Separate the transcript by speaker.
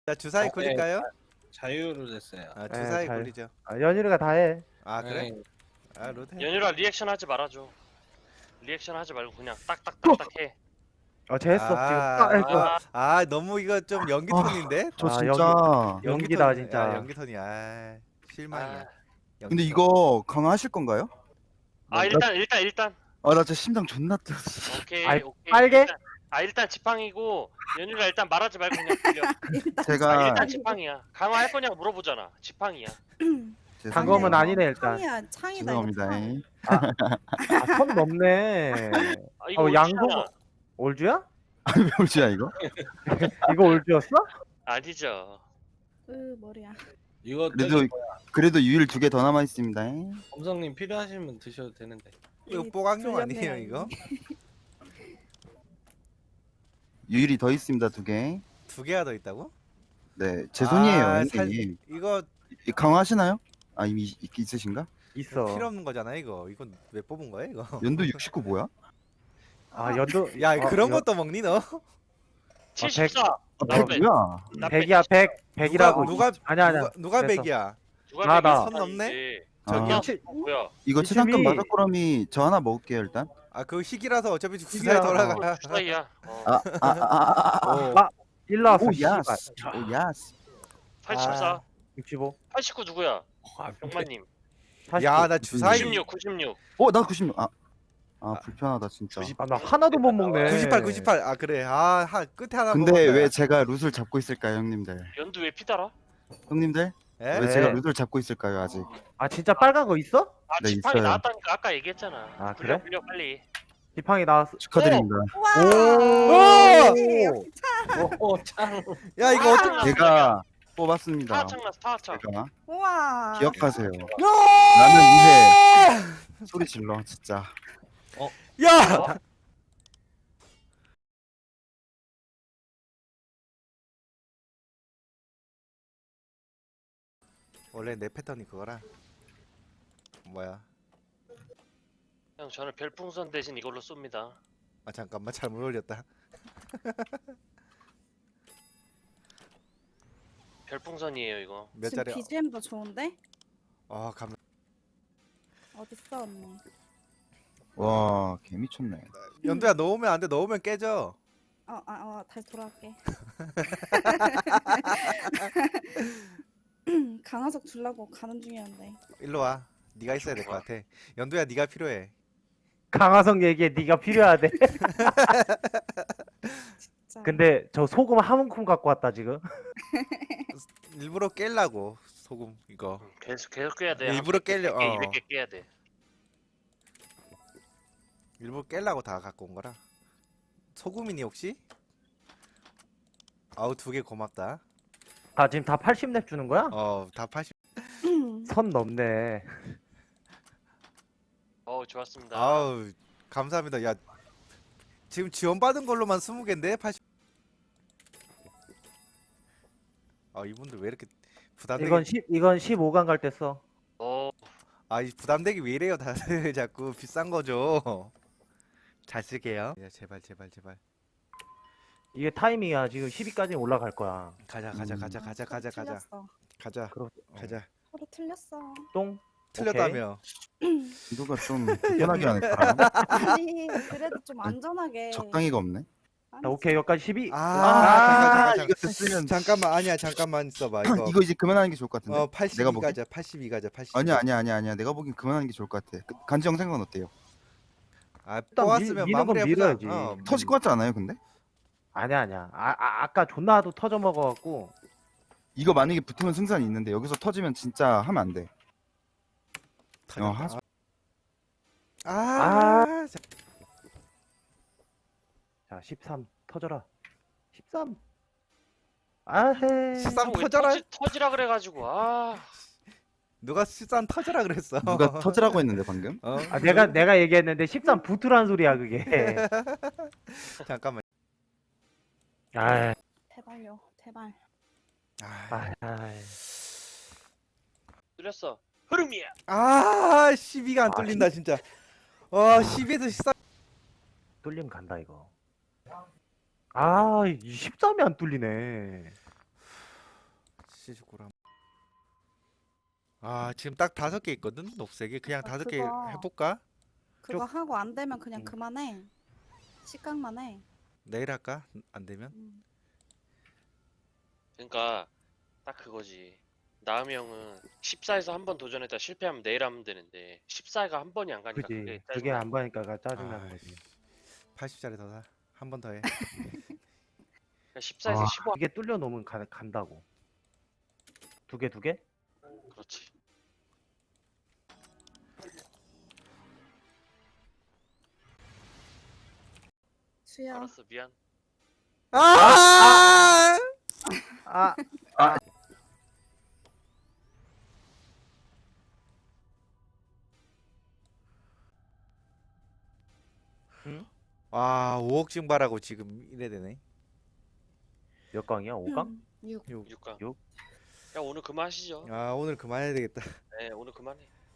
Speaker 1: 자 주사위
Speaker 2: 네.
Speaker 1: 굴릴까요?
Speaker 2: 자유로 됐어요.
Speaker 1: 아
Speaker 3: 네,
Speaker 1: 주사위
Speaker 3: 잘.
Speaker 1: 굴리죠.
Speaker 3: 연율이가 다 해.
Speaker 1: 아 그래?
Speaker 2: 네.
Speaker 1: 아 로드 해.
Speaker 4: 연유라 리액션 하지 말아줘. 리액션 하지 말고 그냥 딱딱딱딱 해.
Speaker 3: 쟤 했어.
Speaker 1: 아,
Speaker 3: 지금
Speaker 1: 이거
Speaker 3: 했어.
Speaker 1: 너무 이거 좀 연기 톤인데?
Speaker 5: 저
Speaker 3: 아,
Speaker 5: 진짜
Speaker 3: 연기다
Speaker 1: 톤,
Speaker 3: 진짜.
Speaker 1: 야, 연기 톤이야. 실망이야.
Speaker 4: 아,
Speaker 1: 연기
Speaker 5: 근데
Speaker 1: 톤.
Speaker 5: 이거 강화하실 건가요?
Speaker 4: 일단
Speaker 5: 아 나 진짜 심장 존나 뛰어.
Speaker 4: 오케이
Speaker 3: 아이,
Speaker 4: 오케이.
Speaker 3: 빨개?
Speaker 4: 일단 지팡이고 연유라 일단 말하지 말고 그냥 빌려.
Speaker 5: 제가
Speaker 4: 일단 지팡이야. 강화할 거냐고 물어보잖아. 지팡이야.
Speaker 3: 단검은 아니네 일단.
Speaker 6: 창이야, 창이다
Speaker 5: 죄송합니다.
Speaker 6: 이거 창.
Speaker 3: 선 넘네.
Speaker 4: 이거
Speaker 3: 양복
Speaker 4: 올주잖아.
Speaker 3: 올주야?
Speaker 5: 왜 울지야 이거?
Speaker 3: 이거 올주였어?
Speaker 4: 아니죠.
Speaker 6: 머리야.
Speaker 2: 이거
Speaker 5: 그래도 유일 2개 더 남아 있습니다.
Speaker 2: 검성님 필요하시면 드셔도 되는데.
Speaker 1: 이거 뽀강용 아니에요 이거?
Speaker 5: 유일이 더 있습니다 2개.
Speaker 1: 2개가 더 있다고?
Speaker 5: 네, 제 손이에요.
Speaker 1: 아,
Speaker 5: 형님.
Speaker 1: 이거
Speaker 5: 강화하시나요? 아 이미 있으신가?
Speaker 3: 있어.
Speaker 1: 필요 없는 거잖아 이거. 이건 왜 뽑은 거야 이거?
Speaker 5: 연도 69 뭐야?
Speaker 3: 연도.
Speaker 1: 야 그런 것도 먹니 너?
Speaker 4: 74.
Speaker 5: 아,
Speaker 4: 나
Speaker 5: 100 뭐야?
Speaker 4: 나
Speaker 3: 100이야 100이라고.
Speaker 1: 누가
Speaker 3: 아니야.
Speaker 1: 누가
Speaker 3: 됐어.
Speaker 1: 100이야?
Speaker 4: 누가
Speaker 3: 나.
Speaker 4: 백이
Speaker 1: 선 넘네?
Speaker 4: 이제.
Speaker 1: 저기
Speaker 5: 아,
Speaker 3: 칠-
Speaker 4: 뭐야?
Speaker 5: 이거
Speaker 3: 72.
Speaker 5: 치상금 마더꾸러미 저 하나 먹을게요 일단.
Speaker 1: 아 그거 희귀라서 어차피 주사위
Speaker 3: 희귀야.
Speaker 1: 돌아가.
Speaker 4: 주사위야.
Speaker 5: 아.
Speaker 3: 일로 왔어.
Speaker 5: 오
Speaker 3: 씨발.
Speaker 5: 야스. 오 야스.
Speaker 4: 84.
Speaker 3: 65.
Speaker 4: 89 누구야? 병만님.
Speaker 3: 49.
Speaker 1: 야 나 주사위
Speaker 4: 96.
Speaker 5: 나 96. 불편하다 진짜.
Speaker 3: 나 하나도 못 먹네.
Speaker 1: 98. 아 그래. 끝에 하나
Speaker 5: 근데
Speaker 1: 먹었다.
Speaker 5: 왜 제가 룻을 잡고 있을까요, 형님들?
Speaker 4: 연두 왜 피달아?
Speaker 5: 형님들?
Speaker 1: 에?
Speaker 5: 왜
Speaker 3: 네.
Speaker 5: 제가 룻을 잡고 있을까요, 아직?
Speaker 3: 진짜 빨간 거 있어?
Speaker 5: 네,
Speaker 4: 지팡이
Speaker 5: 있어요.
Speaker 4: 나왔다니까 아까 얘기했잖아.
Speaker 3: 아,
Speaker 4: 불려
Speaker 3: 그래?
Speaker 4: 불려 빨리.
Speaker 3: 지팡이 나왔어.
Speaker 5: 축하드립니다.
Speaker 6: 와.
Speaker 3: 오!
Speaker 2: 참.
Speaker 1: 야 이거 어떻게?
Speaker 5: 제가 뽑았습니다.
Speaker 4: 타창 났어 타창.
Speaker 5: 제가
Speaker 6: 우와.
Speaker 5: 기억하세요. 나는 이제 소리 질러 진짜.
Speaker 1: 야! 원래 내 패턴이 그거라. 뭐야?
Speaker 4: 형 저는 별풍선 대신 이걸로 쏩니다.
Speaker 1: 아 잠깐만 잘못 올렸다.
Speaker 4: 별풍선이에요 이거.
Speaker 1: 몇
Speaker 6: 지금
Speaker 1: 자리?
Speaker 6: BGM도 좋은데?
Speaker 1: 감.
Speaker 6: 어딨어 언니?
Speaker 5: 와, 개 미쳤네.
Speaker 1: 연두야 넣으면 안 돼. 넣으면 깨져.
Speaker 6: 다시 돌아갈게. 강화석 주려고 가는 중이었는데.
Speaker 1: 일로 와. 네가 있어야 될 것 같아. 연두야 네가 필요해.
Speaker 3: 강화성 얘기에 네가 필요하대.
Speaker 6: 진짜.
Speaker 3: 근데 저 소금 한 움큼 갖고 왔다 지금.
Speaker 1: 일부러 깰라고 소금 이거.
Speaker 4: 계속 깨야 돼.
Speaker 1: 일부러 깨려.
Speaker 4: 200개 깨야 돼.
Speaker 1: 일부러 깰라고 다 갖고 온 거라. 소금이니 혹시? 아우 2개 고맙다.
Speaker 3: 지금 다 80렙 주는 거야?
Speaker 1: 다 80.
Speaker 3: 선 넘네.
Speaker 4: 좋았습니다.
Speaker 1: 아우 감사합니다. 야 지금 지원받은 걸로만 20개인데 80. 이분들 왜 이렇게 부담되게?
Speaker 3: 이건 15강 갈 때 써.
Speaker 1: 이 부담되게 왜 이래요 다들 자꾸 비싼 거죠. 잘 쓸게요. 야 제발.
Speaker 3: 이게 타이밍이야. 지금 10위까지 올라갈 거야.
Speaker 1: 가자.
Speaker 6: 틀렸어.
Speaker 1: 가자.
Speaker 6: 서로 틀렸어.
Speaker 3: 똥.
Speaker 1: 틀렸다며.
Speaker 5: 누가 좀 편하게 하네. 사람.
Speaker 6: 아니 그래도 좀 안전하게.
Speaker 5: 적당히가 없네.
Speaker 3: 자, 오케이 여기까지 12.
Speaker 1: 잠깐.
Speaker 5: 이거 됐으면
Speaker 1: 잠깐만 아니야 잠깐만 있어봐 이거.
Speaker 5: 이거 이제 그만하는 게 좋을 것 같은데.
Speaker 1: 82
Speaker 5: 내가 보기.
Speaker 1: 가자. 82 가자. 82.
Speaker 5: 아니야. 내가 보기엔 그만하는 게 좋을 것 같아. 간지 영상은 어때요?
Speaker 1: 뽑았으면
Speaker 3: 미는 건
Speaker 1: 마무리해보자.
Speaker 3: 밀어야지.
Speaker 5: 터질 것 같지 않아요, 근데?
Speaker 3: 아니야. 아까 존나도 터져 먹어갖고.
Speaker 5: 이거 만약에 붙으면 승산이 있는데 여기서 터지면 진짜 하면 안 돼.
Speaker 3: 자 13 터져라. 13. 아헤.
Speaker 1: 13
Speaker 4: 왜
Speaker 1: 터져라.
Speaker 4: 터지라 그래가지고
Speaker 1: 누가 13 터져라 그랬어.
Speaker 5: 누가 터지라고 했는데 방금?
Speaker 3: 내가 얘기했는데 13 붙으란 소리야 그게.
Speaker 1: 잠깐만.
Speaker 3: 아.
Speaker 6: 제발요, 제발.
Speaker 4: 뚫렸어. 흐름이야.
Speaker 1: 12가 안 뚫린다 진짜. 12에서 13.
Speaker 3: 뚫림 간다 이거. 이 13이 안 뚫리네.
Speaker 1: 79람. 아 지금 딱 5개 있거든 녹색이. 그냥
Speaker 6: 아,
Speaker 1: 5개
Speaker 6: 그거.
Speaker 1: 해볼까?
Speaker 6: 그거 하고 안 되면 그냥
Speaker 1: 음.
Speaker 6: 그만해. 식각만 해.
Speaker 1: 내일 할까? 안 되면?
Speaker 4: 그러니까 딱 그거지. 나음이 형은 14에서 한 번 도전했다 실패하면 내일 하면 되는데 14가 한 번이 안 가니까
Speaker 3: 그지.
Speaker 4: 그게
Speaker 3: 그게
Speaker 4: 짜증나.
Speaker 3: 안 보니까 짜증나는
Speaker 1: 아,
Speaker 3: 거지.
Speaker 1: 80짜리 더 사. 한 번 더 해.
Speaker 4: 그러니까 14에서
Speaker 3: 아,
Speaker 4: 15.
Speaker 3: 이게 뚫려 놓으면 간다고. 두 개, 두 개?
Speaker 4: 그렇지.
Speaker 6: 수야.
Speaker 4: 알았어 미안.
Speaker 1: 아!
Speaker 3: 아,
Speaker 1: 와 5억 증발하고 지금 이래 되네.
Speaker 3: 몇 강이야? 5강?
Speaker 6: 6.
Speaker 1: 6.
Speaker 4: 6강.
Speaker 3: 육?
Speaker 4: 야 오늘 그만하시죠.
Speaker 1: 아 오늘 그만해야 되겠다.
Speaker 4: 네 오늘 그만해.